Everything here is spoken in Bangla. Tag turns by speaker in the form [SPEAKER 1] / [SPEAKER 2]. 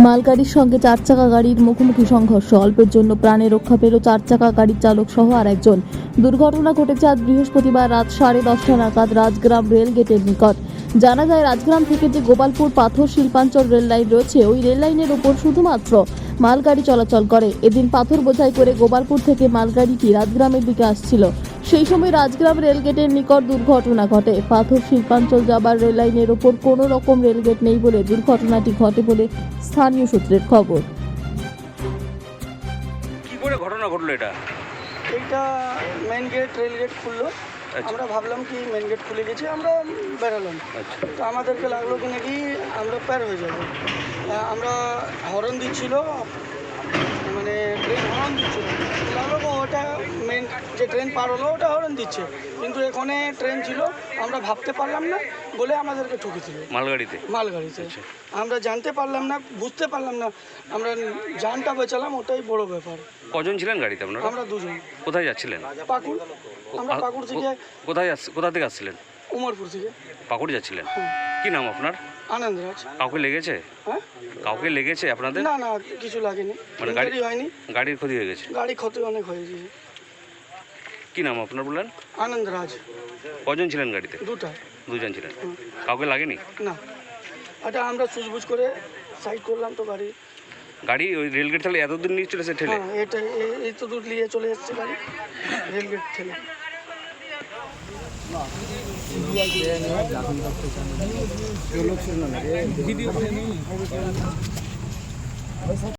[SPEAKER 1] মালগাড়ির সঙ্গে চার চাকা গাড়ির মুখোমুখি সংঘর্ষ, অল্পের জন্য প্রাণে রক্ষা পেল চার চাকা গাড়ির চালক সহ আর একজন। দুর্ঘটনা ঘটেছে আজ বৃহস্পতিবার রাত 10:30 নাগাদ রাজগ্রাম রেল গেটের নিকট। জানা যায়, রাজগ্রাম থেকে যে গোপালপুর পাথর শিল্পাঞ্চল রেল লাইন রয়েছে, ওই রেল লাইনের ওপর শুধুমাত্র মালগাড়ি চলাচল করে। এদিন পাথর বোঝাই করে গোপালপুর থেকে মালগাড়িটি রাজগ্রামের দিকে আসছিল। সেই সময় রাজগ্রাম রেলগেটের নিকট দুর্ঘটনা ঘটে। পাথর শিল্পাঞ্চল যাবার রেল লাইনের ওপর কোনো রকম রেলগেট নেই বলে দুর্ঘটনাটি ঘটে বলে স্থানীয় সূত্রের খবর।
[SPEAKER 2] কি করে ঘটনা ঘটলো এটা?
[SPEAKER 3] এইটা মেন গেট, রেল গেট খুললো। আমরা ভাবলাম কি মেন গেট খুলে গেছে, আমরা বেরোলাম। তো আমাদেরকে লাগলো কি নাকি আমরা পার হয়ে যাবো। আমরা হর্ন দিচ্ছিল, মানে ট্রেন হর্ন দিচ্ছিল, লাগলো ওটা মেন যে ট্রেন পার হলো ওটা হর্ন দিচ্ছে, কিন্তু এখানে ট্রেন ছিল আমরা ভাবতে পারলাম না বলে আমাদেরকে ঠকেছিল মালগাড়িতে। আমরা জানতে পারলাম না, বুঝতে পারলাম না, আমরা জানটা বেচালাম, ওটাই বড় ব্যাপার।
[SPEAKER 2] কজন ছিলেন গাড়িতে আপনারা?
[SPEAKER 3] আমরা দুজন।
[SPEAKER 2] কোথায় যাচ্ছিলেন?
[SPEAKER 3] পাকুড়। আমরা পাকুড় থেকে।
[SPEAKER 2] কোথা থেকে আসছিলেন?
[SPEAKER 3] উমরপুর থেকে।
[SPEAKER 2] পাকুড় যাচ্ছিলেন? কি নাম আপনার?
[SPEAKER 3] আনন্দরাজ।
[SPEAKER 2] কাউকে লেগেছে?
[SPEAKER 3] হ্যাঁ,
[SPEAKER 2] কাউকে লেগেছে আপনাদের?
[SPEAKER 3] না না, কিছু লাগেনি,
[SPEAKER 2] মানে
[SPEAKER 3] গাড়ি হয়নি।
[SPEAKER 2] গাড়ির ক্ষতি হয়ে গেছে?
[SPEAKER 3] গাড়ি ক্ষতি অনেক হয়ে গেছে।
[SPEAKER 2] কি নাম আপনার বললেন?
[SPEAKER 3] আনন্দরাজ।
[SPEAKER 2] কজন ছিলেন গাড়িতে? দুজন ছিলেন। কাউকে লাগেনি?
[SPEAKER 3] না, এটা আমরা সুজবুজ করে সাইড করলাম তো
[SPEAKER 2] গাড়ি ওই রেলগেট থেকে এত দূর নিয়ে চলেছে ঠেলে?
[SPEAKER 3] হ্যাঁ, এটা এই তো দূর নিয়ে চলে এসছে গাড়ি রেলগেট ঠেলে।